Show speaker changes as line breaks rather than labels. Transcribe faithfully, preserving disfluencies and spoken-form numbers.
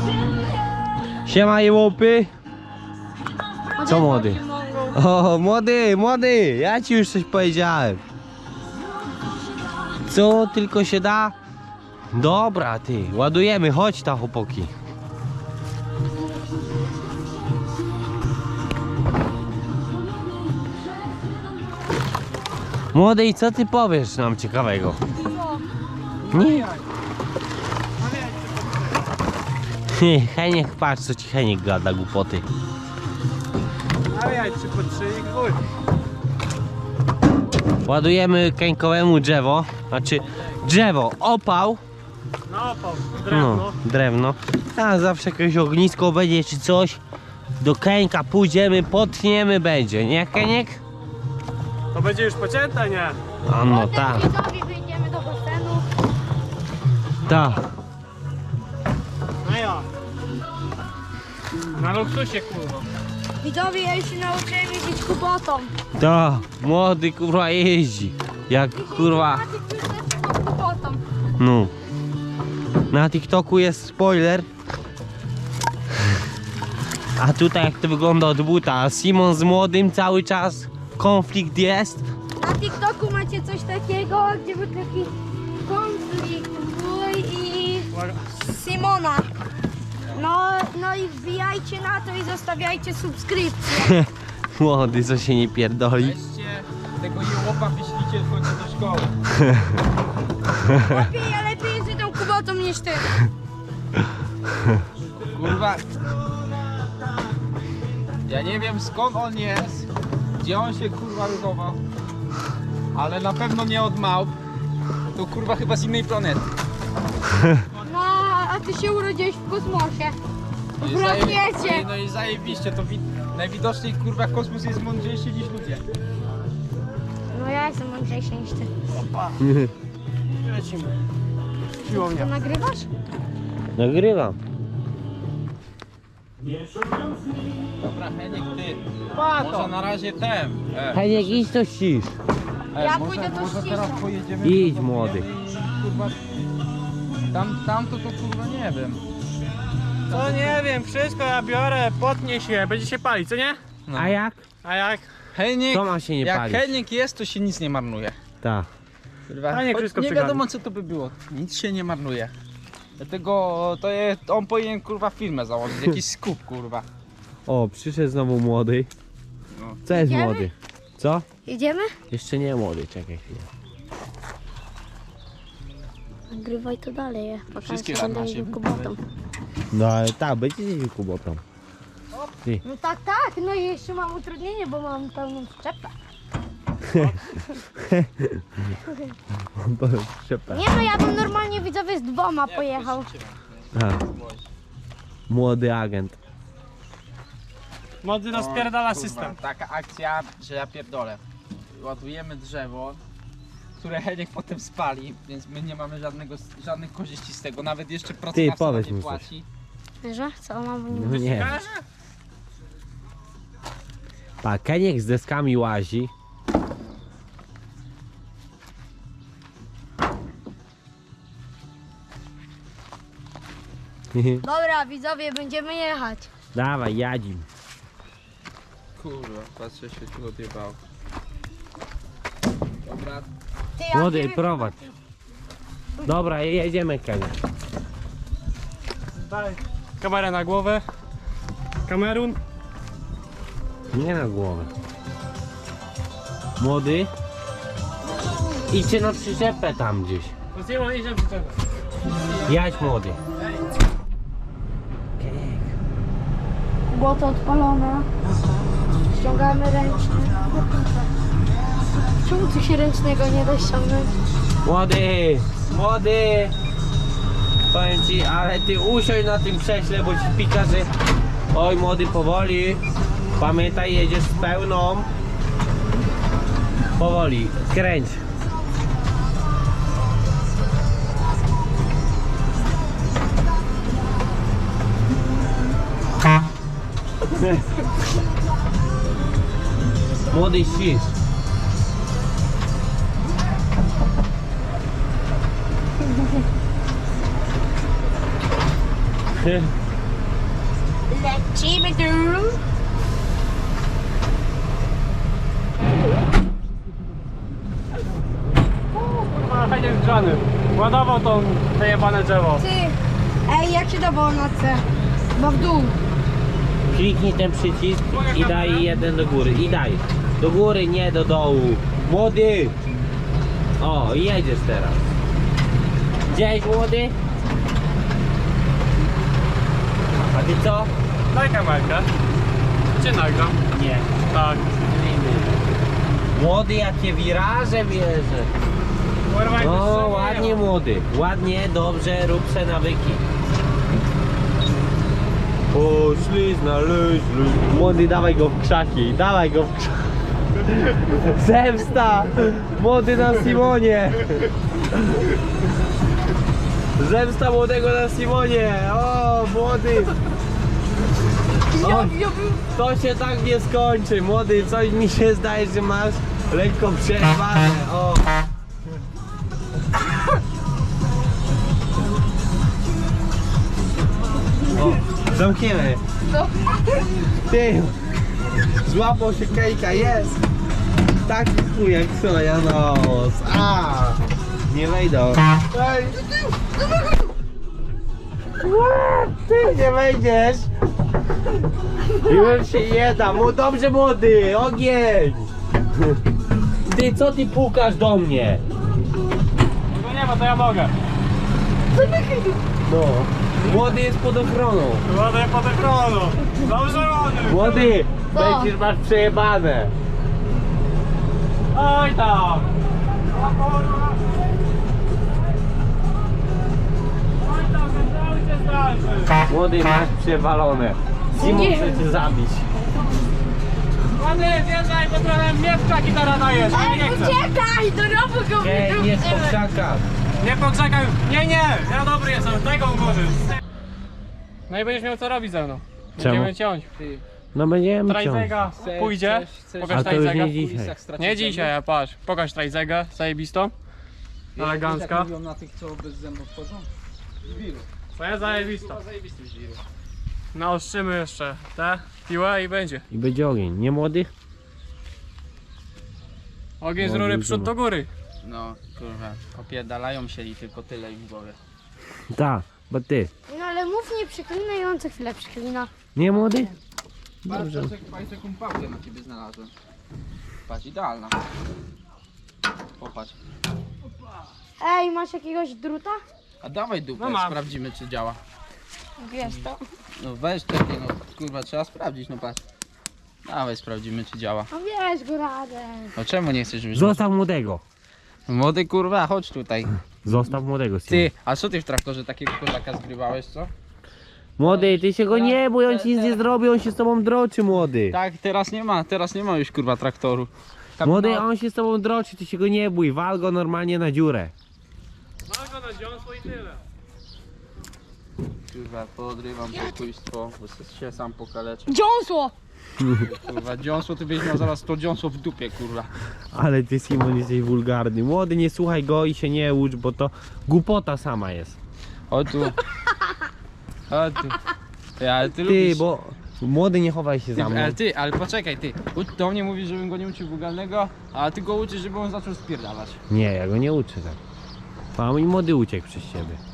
Siema jełopy. Co młody? O, młody, młody, ja ci już coś powiedziałem. Co tylko się da? Dobra ty, ładujemy, chodź ta chłopaki. Młody, i co ty powiesz nam ciekawego? Nie. Heniek, patrz co ci Heniek gada głupoty.
A ja trzy po trzy i chuj.
Ładujemy Keńkowemu drzewo, znaczy drzewo, opał.
No opał, drewno.
No, drewno. A zawsze jakieś ognisko będzie czy coś. Do Keńka pójdziemy, potniemy będzie, nie Keniek?
To będzie już pocięte, nie?
A no tak,
Potem wyjdziemy do basenu.
tak.
No ja. Na luksusie kurwa.
Widzowie, ja już się nauczyłem jeździć kubotą.
Tak, młody kurwa jeździ. Jak kurwa,
Maciek już też kubotą.
no. Na TikToku jest spoiler. A tutaj jak to wygląda od buta. Simon z młodym cały czas konflikt jest.
Na TikToku macie coś takiego, gdzie był taki konflikt mój i
Uwaga.
Simona. No, no i wbijajcie na to i zostawiajcie subskrypcję.
Młody, co się nie pierdoli.
Weźcie tego jełopa, wyślijcie w końcu do szkoły.
Lepiej, ja lepiej jeżdżę tą kubotą niż ty.
Kurwa. Ja nie wiem skąd on jest, gdzie on się kurwa ruchował, ale na pewno nie od małp. To kurwa chyba z innej planety.
No, a ty się urodziłeś w kosmosie.
No i
W
zaje-
rakiecie.
No i zajebiście, to wi- najwidoczniej kurwa kosmos jest mądrzejszy niż ludzie.
No ja jestem mądrzejszy niż ty.
Lecimy.
To
Siłownia.
nagrywasz?
Nagrywam.
Dobra, Heniek, ty.
Pato.
Może na razie ten. E,
Heniek, idź to ścisz.
e,
Ja
może,
pójdę do
może
ściśla.
teraz pojedziemy.
Idź,
zobaczymy
młody.
i, Kurwa, tam, tamto to kurwa nie wiem.
No nie wiem, wszystko ja biorę, potnie się, będzie się palić, co nie?
No.
A jak?
A jak?
Heniek,
To ma się nie
jak
palić.
Heniek jest, to się nic nie marnuje.
Tak.
Kurwa,
Heniek
choć
wszystko
nie
przygarnie.
wiadomo co to by było, nic się nie marnuje. Dlatego to jest, on powinien kurwa firmę założyć, jakiś skup kurwa.
O, przyszedł znowu młody.
No.
Co jest
Idziemy?
młody? Co?
Jedziemy?
Jeszcze nie młody, czekaj chwilę.
Nagrywaj to dalej, ja pokażę,
Wszystkie
że będę
na
jeździł
siebie.
kubotą.
No ale tak, będzie jeździł kubotą.
No tak, tak, no i jeszcze mam utrudnienie, bo mam pełną przyczepę.
Przepę.
Nie no, ja bym normalnie widzowie z dwoma pojechał.
Młody agent.
Młody rozpierdala
Kurwa,
system.
taka akcja, że ja pierdolę. Ładujemy drzewo, które Heniek potem spali, więc my nie mamy żadnego, żadnych korzyści z tego, nawet jeszcze pracodawca
powiedz
nie
mu coś.
płaci.
Że? Co mam?
No nie.
Każe?
Pa, Keniek z deskami łazi.
Dobra, widzowie, będziemy jechać.
Dawaj, jadzim.
Kurwa, patrzę się tu odjebało. Dobra,
Ty, ja
Młody,
wiem-
prowadź. Dobra, jedziemy Keniek.
Daj kamerę na głowę. Kamerun.
Nie na głowę. Młody. Idźcie na przyczepę tam gdzieś.
To zjemy, idziemy przy czego.
Jadź młody.
Błoto odpalone. Ściągamy ręczny. Czemu tu się ręcznego nie da ściągnąć?
Młody, młody. Powiem ci, ale ty usiądź na tym krześle, bo ci pika, że... Oj młody, powoli. Pamiętaj, jedziesz z pełną. Powoli, kręć. Młody ścisz.
Lecimy tu.
Kurwa, fajnie zgrzany. Ładował tą zajebane drzewo.
Ty. Ej, jak się dawało na C? Bo w dół.
Kliknij ten przycisk i daj jeden do góry. I daj. Do góry, nie do dołu. Młody! O, i jedziesz teraz. Gdzieś młody? A ty co?
Daj kamerkę. Cię nagram.
Nie.
Tak.
Młody, jakie wiraże bierze.
Kurwa, jak
No,
wyższego
ładnie
nie ma.
młody. Ładnie, dobrze, rób se nawyki. Poszli, znaleźli. Młody, dawaj go w krzaki, dawaj go w krzaki. Zemsta! Młody na Simonie! Zemsta młodego na Simonie! O, młody! O, to się tak nie skończy, młody, coś mi się zdaje, że masz lekko przerwane. O! O, zamkniemy. Ty! Złapał się Kejka, jest! Taki chuj jak soja nos. A! Nie wejdą. Ej! Ty nie wejdziesz! Już się nie da, mu dobrze młody, ogień! Ty, co ty pukasz do mnie?
Tego nie ma, to ja mogę.
No, młody jest pod ochroną.
Ładuję pod ekranu. Dobrze ładuj.
Młody,
Co?
będziesz masz przejebane.
Oj tam. O kurwa. Oj tam, cały cię zdalszy.
Młody, masz przewalone. Simon
Nie.
chce cię zabić.
Ładnie, zjeżdżaj, bo trochę mnie w krzaki teraz dajesz. Ja
Ej,
nie chcę.
uciekaj! Do rowu go
Ej, nie po krzakach.
Nie poczekaj. Nie, nie. Ja dobry jestem. Tego ułożysz. No i będziesz miał co robić ze mną. Będziemy
Czemu?
ciąć.
Ty,
No będziemy ciąć.
Trajzega
chcesz-
pójdzie.
chcesz- chcesz-
Pokaż
A to już
Trajzega.
nie dzisiaj.
Nie dzisiaj, a patrz. Pokaż Trajzegę, zajebistą.
Wiesz,
Elegancka.
jak mówią na tych, co bez zębów wchodzą? Żwiru.
To jest zajebista.
Chyba zajebisty żwiru.
Naostrzymy jeszcze tę piłę i będzie.
I będzie ogień, nie młody?
Ogień z
No,
rury
widzimy.
przód do góry.
No, kurwa, opierdalają się i tylko tyle im w głowie.
Tak, bo ty.
No ale mów nie przeklinaj, on co chwilę przeklina.
Nie młody?
Patrz, patrz, patrz jaką pałkę na ciebie znalazłem. Patrz, idealna. Popatrz.
Ej, masz jakiegoś druta?
A dawaj dupę,
No mam.
sprawdzimy czy działa.
Wiesz to.
No weź takie, no kurwa, trzeba sprawdzić, no patrz. Dawaj, sprawdzimy czy działa.
No wiesz go radę.
No czemu nie chcesz wyjść?
Zostaw młodego.
Młody kurwa, chodź tutaj.
Zostaw młodego, Simon.
Ty, a co ty w traktorze takiego kozaka zgrywałeś, co?
Młody, ty się go nie bój, on ci nic nie zrobi, on się z tobą droczy, młody.
Tak, teraz nie ma, teraz nie ma już kurwa traktoru.
Młody, on się z tobą droczy, ty się go nie bój, wal go normalnie na dziurę.
Mam go na dziąsło i tyle.
Kurwa, podrywam pokójstwo, bo się sam pokaleczę.
Dziąsło!
Kurwa, dziąsło, ty byś miał zaraz to dziąsło w dupie, kurwa.
Ale ty, Simon, jesteś wulgarny. Młody, nie słuchaj go i się nie ucz, bo to głupota sama jest.
O tu. O tu. Ty, ale ty,
Ty,
lubisz...
bo... Młody, nie chowaj się
Ty,
za mną.
ale ty, ale poczekaj, ty. U- Do mnie mówisz, żebym go nie uczył wulgarnego, a ty go uczysz, żeby on zaczął spierdalać.
Nie, ja go nie uczę tak. A mój młody uciekł przez ciebie.